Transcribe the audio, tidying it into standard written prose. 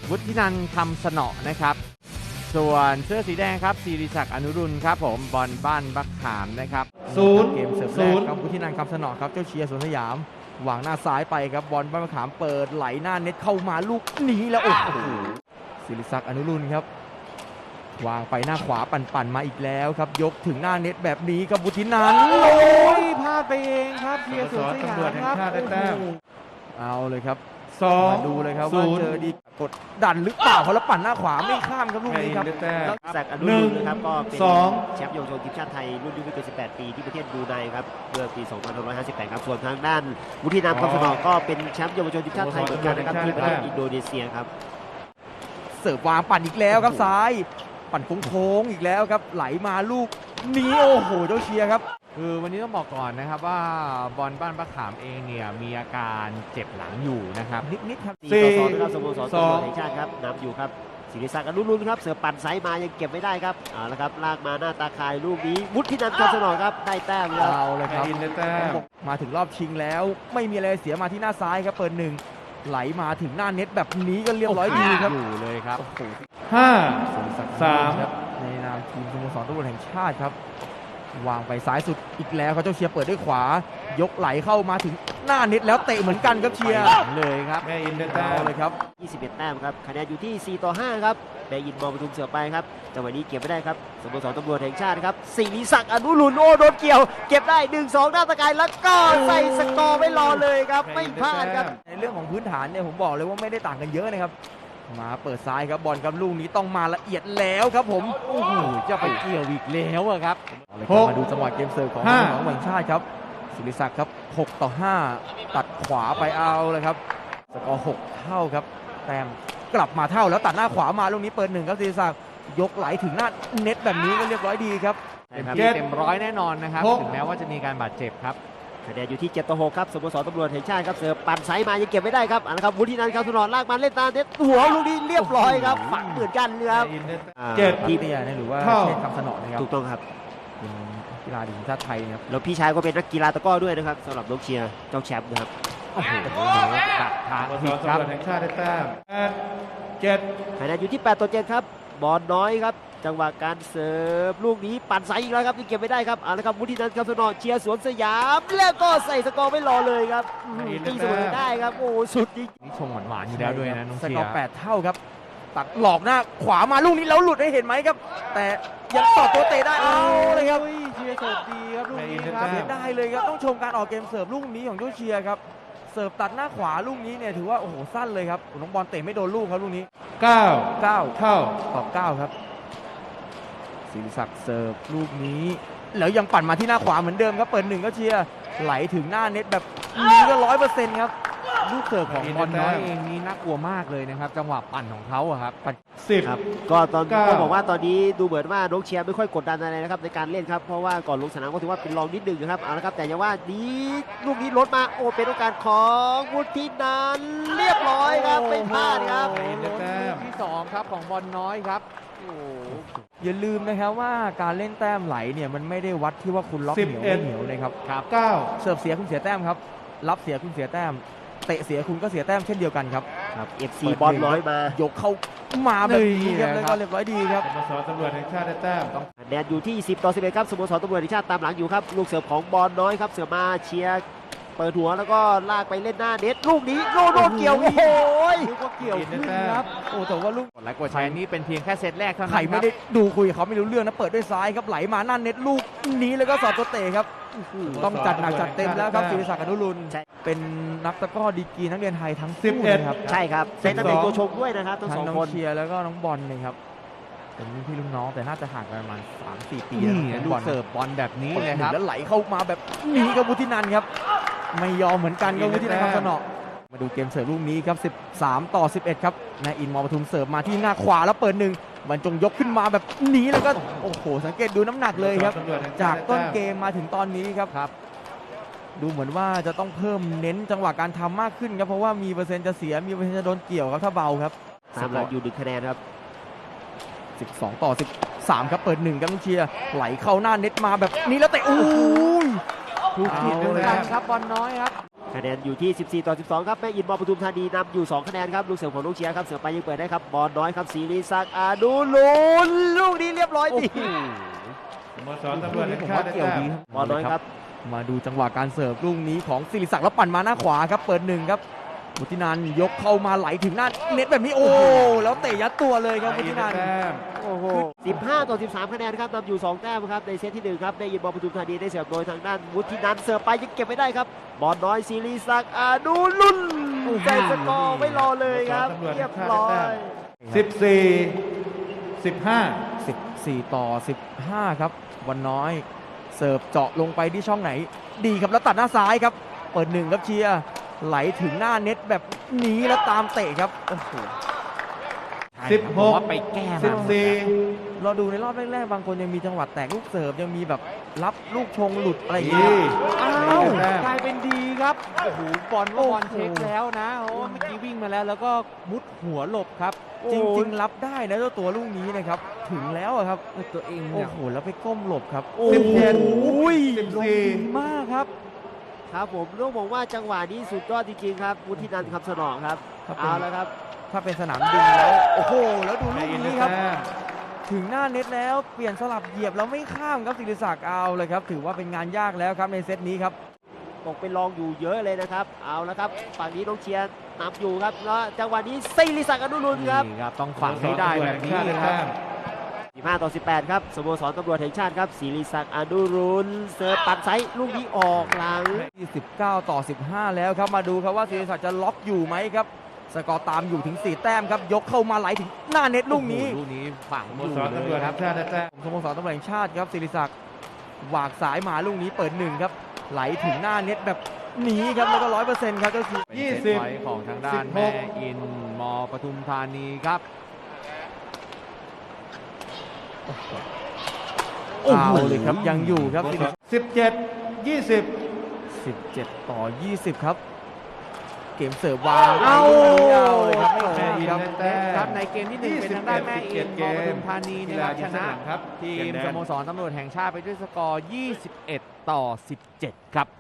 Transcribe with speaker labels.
Speaker 1: วุฒินันท์คำสนอนะครับส่วนเสื้อสีแดงครับศิริศักดิ์อนุรุณครับผมบอลบ้านบักขามนะครับ
Speaker 2: 0
Speaker 1: เกมเสิร์ฟแรกครับวุฒินันท์คำสนอครับเจ้าเชียร์สวนสยามวางหน้าซ้ายไปครับบอลบ้านบักขามเปิดไหลหน้าเน็ตเข้ามาลูกนี้แล้วโอ้โหศิริศักดิ์อนุรุณครับวางไปหน้าขวาปั่นมาอีกแล้วครับยกถึงหน้าเน็ตแบบนี้ครับวุฒินันท์โอ้ยพลาดไปเองครับเชียร์สวนสยามครับเอาเลยครับมาดูเลยครับว่าเจอดีกดดันหรือเปล่าเขาแล้วปั่นหน้าขวาไม่ข้ามครับลูกนี้ครับ
Speaker 3: ศักดิ์อนุรุณนะครับก็เป็นแชมป์เยาวชนทีมชาติไทยรุ่นอายุไม่เกิน18 ปีที่ประเทศบรูไนครับเมื่อปี2558ครับส่วนทางด้านวุฒินันท์คำสนอก็เป็นแชมป์เยาวชนทีมชาติไทยเหมือนกันนะครับที่ประเทศอินโดนีเซียครับ
Speaker 1: เสิร์ฟวางปั่นอีกแล้วครับซ้ายปั่นโค้งอีกแล้วครับไหลมาลูกนี้โอ้โหเจ้าเชียร์ครับคือวันนี้ต้องบอกก่อนนะครับว่าบอลบ้านบักขามเองเนี่ยมีอาการเจ็บหลังอยู่นะครับนิดครับ
Speaker 3: 4-2นะครับสโมสรตำรวจแห่งชาติครับนำอยู่ครับศิริศักดิ์อนุรุณครับเสือปั่นไซมายังเก็บไม่ได้ครับเอาละครับลากมาหน้าตาคายลูกนี้วุฒินันท์คำสนอครับได้แต้มครับ
Speaker 1: เอาเลยครับมาถึงรอบชิงแล้วไม่มีอะไรเสียมาที่หน้าซ้ายครับเปิด1ไหลมาถึงหน้าเน็ตแบบนี้ก็เรียบร้อยดีครับอยู่เลยครับ
Speaker 2: 5-3
Speaker 1: ครับในนามทีมสโมสรตำรวจแห่งชาติครับวางไปซ้ายสุดอีกแล้วเขาเจ้าเชียร์เปิดด้วยขวายกไหลเข้ามาถึงหน้าเน็ตแล้วเตะเหมือนกันครับเชียร์เลยครับ
Speaker 2: แม่อินได้แต้ม
Speaker 1: เลยครับ
Speaker 3: 21 แต้มครับคะแนนอยู่ที่4-5ครับแม่อินมอปทุมเสือไปครับจังหวะนี้เก็บไม่ได้ครับสโมสรตำรวจแห่งชาติครับศิริศักดิ์อนุรุณโอ้โดนเกี่ยวเก็บได้ 1-2 หน้าตะกายแล้วก็ใส่สกอร์ไม่รอเลยครับไม่พลาดครับ
Speaker 1: ในเรื่องของพื้นฐานเนี่ยผมบอกเลยว่าไม่ได้ต่างกันเยอะนะครับมาเปิดซ้ายครับบอลครับลูกนี้ต้องมาละเอียดแล้วครับผมโอ้โหจะไปเกี่ยวอีกแล้วครับมาดูจังหวะเกมเสิร์ฟของแห่งชาติครับศิริศักดิ์ครับ6-5ตัดขวาไปเอาเลยครับสกอร์6เท่าครับแต้มกลับมาเท่าแล้วตัดหน้าขวามาลูกนี้เปิด1ครับศิริศักดิ์ยกไหลถึงหน้าเน็ตแบบนี้ก็เรียบร้อยดีครับเต็มร้อยแน่นอนนะครับถึงแม้ว่าจะมีการบาดเจ็บครับ
Speaker 3: คะแนนอยู่ที่7-6ครับสโมสรตำรวจแห่งชาติครับเสือปั่นไซมายังเก็บไม่ได้ครับนะครับวุฒินันท์คำสนอลากมาเล่นตาเน็ตหัวลูกนี้เรียบร้อยครับฝังเหมือนกันครับ
Speaker 1: 7ทีเนี่ยหรือว่าเชษฐ์คำสนอนะครับ
Speaker 3: ถูกต้องครับ
Speaker 1: เป็นกีฬาทีมชาติไทยนะครับ
Speaker 3: แล้วพี่ชายก็เป็นนักกีฬาตะกร้อด้วยนะครับสำหรับน้องเชียร์เจ้าแชมป์นะครับ
Speaker 1: โอ้โหดักทางผิดครับ
Speaker 2: แห่งชาติได้แต้ม7
Speaker 3: คะแนนอยู่ที่8-7ครับบอลน้อยครับจังหวะการเสิร์ฟลูกนี้ปั่นไซอีกแล้วครับที่เก็บไม่ได้ครับเอาละครับวุฒินันท์คำสนอเชียร์สวนสยามแล้วก็ใส่สกอร์ไม่รอเลยครับตีเสมอได้ครับโอ้สุดจริง
Speaker 1: นี่ชงหวานๆอยู่แล้วด้วยนะน้องเชียร์สกอร์8เท่าครับตัดหลอกหน้าขวามาลูกนี้แล้วหลุดให้เห็นไหมครับแต่ยังต่อตัวเตะได้เอาเลยครับเชียร์เสิร์ฟดีครับลูกนี้ครับเสียได้เลยครับต้องชมการออกเกมเสิร์ฟลูกนี้ของเจ้าเชียร์ครับเสิร์ฟตัดหน้าขวาลูกนี้เนี่ยถือว่าโอ้โหสั้นเลยครับน้องบอลเตะไม่โดนลูกครับลูกนี้9เท่าตอบ9ครับศิริศักดิ์เสิร์ฟลูกนี้แล้วยังปั่นมาที่หน้าขวาเหมือนเดิมครับเปิด1ก็เชียร์ไหลถึงหน้าเน็ตแบบนี้ก็100%ครับลูกเสิร์ฟของบอลน้อยเองนี่น่ากลัวมากเลยนะครับจังหวะปั่นของเขาครับปั่น
Speaker 3: 10ครับก็ตอนก็บอกว่าตอนนี้ดูเหมือนว่าน้องเชียร์ไม่ค่อยกดดันอะไรนะครับในการเล่นครับเพราะว่าก่อนลงสนามก็ถือว่าเป็นรองนิดนึงนะครับเอาละครับแต่อย่างว่านี้ลูกนี้ลดมาโอ้เป็นโอกาสของวุฒินันท์เรียบร้อยครับไม่พลาดครับ
Speaker 1: ที่2ครับของบอลน้อยครับอย่าลืมนะครับว่าการเล่นแต้มไหลเนี่ยมันไม่ได้วัดที่ว่าคุณล็อกเหนียวไม่เหนียวเลยครับ9เสิร์ฟเสียคุณเสียแต้มครับรับเสียคุณเสียแต้มเตะเสียคุณก็เสียแต้มเช่นเดียวกันครับ
Speaker 3: FC บอลน้อยมาย
Speaker 1: กเข้ามาแบบนี้ครับแล้วก็เรียบร้อยดีครับ
Speaker 2: สโมสรตำรวจแห่งชาติได้แต้ม
Speaker 3: คะแนนอยู่ที่10-11ครับสโมสรตำรวจแห่งชาติตามหลังอยู่ครับลูกเสิร์ฟของบอลน้อยครับเสือมาเชียร์เปิดหัวแล้วก็ลากไปเล่นหน้าเน็ตลูกนี้โดนเกี่ยวโอ้โห
Speaker 1: ลูกก็เกี่ยวขึ้นครับโอ้แต่ว่าลูกกดไลค์กดแชร์นี่เป็นเพียงแค่เซตแรกเท่านั้นใครไม่ได้ดูคุยกับเขาไม่รู้เรื่องนะเปิดด้วยซ้ายครับไหลมาหน้าเน็ตลูกนี้แล้วก็สอดตัวเตะครับต้องจัดหนักจัดเต็มแล้วครับศิริศักดิ์อนุรุณเป็นนักตะกร้อดีกรีนักเรียนไทยทั้งคู่นะครับ
Speaker 3: ใช่ครับเป็นนักเตะตัวชมด้วยนะครับทั้ง2คน
Speaker 1: เชียร์แล้วก็น้องบอลนะครับเป็นพี่ลุงน้องแต่น่าจะห่างกันประมาณ 3-4 ปีนะลูกเสิร์ฟบอลแบบนี้เลยครับแล้วไหลเข้ามาแบบนี้กับวุฒินันท์ครับไม่ยอมเหมือนกันกับวุฒินันท์คำสนอมาดูเกมเสิร์ฟลูกนี้ครับ13-11ครับนายอินมอปทุมเสิร์ฟมาที่หน้าขวาแล้วเปิด1บรรจงยกขึ้นมาแบบนี้แล้วก็โอ้โหสังเกตดูน้ำหนักเลยครับจากต้นเกมมาถึงตอนนี้ครับดูเหมือนว่าจะต้องเพิ่มเน้นจังหวะการทำมากขึ้นครับเพราะว่ามีเปอร์เซ็นต์จะเสียมีเปอร์เซ็นต์จะโดนเกี่ยวครับถ้าเบาครับ
Speaker 3: ตามหลังอยู่1คะแนนครับ
Speaker 1: 12-13ครับเปิด1ครับเชียร์ไหลเข้าหน้าเน็ตมาแบบนี้แล้วเตะอู้ยถูกผิดเหมือนกันครับบอลน้อยครับ
Speaker 3: คะแนนอยู่ที่ 14 ต่อ 12 ครับแม่อินมอปทุมธานีนำอยู่ 2 คะแนนครับลูกเสือของลูกเชียร์ครับเสือไปยังเปิดได้ครับบอลน้อยครับศิริศักดิ์อนุรุณลูกนี้เรียบร้อยดี
Speaker 2: สโมสรตำรวจแห่ง
Speaker 1: ผม
Speaker 2: ชา
Speaker 1: ว่า
Speaker 2: ติได้
Speaker 1: เกี่ยว
Speaker 2: แต้
Speaker 1: ดี
Speaker 2: ม
Speaker 1: ครับ
Speaker 3: บอลน้อยครับ
Speaker 1: มาดูจังหวะการเสิร์ฟลูกนี้ของศิริศักดิ์แล้วปั่นมาหน้าขวาครับเปิดหนึ่งครับวุฒินันท์ยกเข้ามาไหลถึงหน้าเน็ตแบบนี้โอ้แล้วเตะยัดตัวเลยครับวุฒินันท์
Speaker 2: แต้ม
Speaker 3: โอ้โห 15 ต่อ 13 คะแนนครับนำอยู่ 2 แต้มครับในเซตที่ 1 ครับได้ยินบอลปทุมธานีได้เสิร์ฟโดยทางด้านวุฒินันท์เสิร์ฟไปยังเก็บไม่ได้ครับบอลน้อยศิริศักดิ์อนุรุณใจสกอร์ไม่รอเลยครับเรียบร้อย
Speaker 2: 14 15
Speaker 1: 14 ต่อ 15 ครับวันน้อยเสิร์ฟเจาะลงไปที่ช่องไหน ดีครับแล้วตัดหน้าซ้ายครับเปิดหนึ่งครับเชียร์ไหลถึงหน้าเน็ตแบบนี้แล้วตามเตะครับโอ้โห
Speaker 2: 16
Speaker 1: ผมว่าไปแก้มา
Speaker 2: 14
Speaker 1: เราดูในรอบแรกๆบางคนยังมีจังหวะแตกลูกเสิร์ฟยังมีแบบรับลูกชงหลุดอะไรอย่างเงี้ยอ้าวกลายเป็นดีครับโอ้โหบอลว่าบอลเช็คแล้วนะโอ้เมื่อกี้วิ่งมาแล้วก็มุดหัวหลบครับ จริงๆรับได้นะเจ้าตัวลูกนี้นะครับถึงแล้วอะครับตัวเองโอ้โหแล้วไปก้มหลบครับโอ้โห
Speaker 2: 14
Speaker 1: มากครับ
Speaker 3: ครับผมต้องบอกว่าจังหวะนี้สุดยอดจริงๆครับวุฒินันท์คำสนองครับ
Speaker 1: ครับ
Speaker 3: เอาละครับ
Speaker 1: ถ้าเป็นสนามดินแล้วโอ้โหแล้วดูลู
Speaker 2: แม่
Speaker 1: ก
Speaker 2: อินได้
Speaker 1: นี้ครับ
Speaker 2: แต้ม
Speaker 1: ถึงหน้าเน็ตแล้วเปลี่ยนสลับเหยียบแล้วไม่ข้ามครับศิริศักดิ์เอาเลยครับถือว่าเป็นงานยากแล้วครับในเซตนี้ครับ
Speaker 3: ตกเป็นรองอยู่เยอะเลยนะครับเอาละครับฝั่งนี้น้องเชียร์นำอยู่ครับแล้วจังหวะนี้ศิริศักดิ์อนุรุณครับ
Speaker 1: นี่ครับต้องฝังให้ได้แบบนี้
Speaker 2: สโมสรตำรวจแห่งชาติได้
Speaker 1: ครั
Speaker 2: แต้
Speaker 1: บ
Speaker 2: ม
Speaker 3: 15 ต่อ 18 ครับสโมสรตำรวจแห่งชาติครับศิริศักดิ์อนุรุณเสิร์ฟปัดไซส์ลูกนี้ออกหลัง
Speaker 1: 29 ต่อ 15 แล้วครับมาดูครับว่าศิริศักดิ์จะล็อกอยู่ไหมครับสกอร์ตามอยู่ถึง 4 แต้มครับยกเข้ามาไหลถึงหน้าเน็ตลูกนี้ลูกนี้ฝัง
Speaker 2: ส
Speaker 1: อ
Speaker 2: โม
Speaker 1: ยู่
Speaker 2: สรตำรวจ
Speaker 1: เลยค
Speaker 2: แห่
Speaker 1: รับ
Speaker 2: งชาติได้แต้ม
Speaker 1: สโมสรตำรวจแห่งชาติครับศิริศักดิ์หวากสายมาลูกนี้เปิดหนึ่งครับไหลถึงหน้าเน็ตแบบนี้ครับแล้วก็100%ครับก็คือ
Speaker 2: 20
Speaker 1: เป็นเซตไว้ของทางด้าน
Speaker 2: 16
Speaker 1: แม่อินมอปทุมธานีครับเอาเลยครับยังอยู่ครับศิริศักดิ์
Speaker 2: 17 20
Speaker 1: 17 ต่อ 20 ครับ เกมเสิร์ฟวาง
Speaker 3: เอา
Speaker 1: เอาเลยครับไม่ข้ามครับ
Speaker 2: แต้ม
Speaker 1: ครับในเกมที่หนึ่งเป็นทางด้านแม่อินมอปทุมธานีนะครับชนะ
Speaker 2: ครับ
Speaker 1: ทีม
Speaker 2: เกมแดง
Speaker 1: สโมสรตำรวจแห่งชาติไปด้วยสกอร์ 21 ต่อ 17 ครับ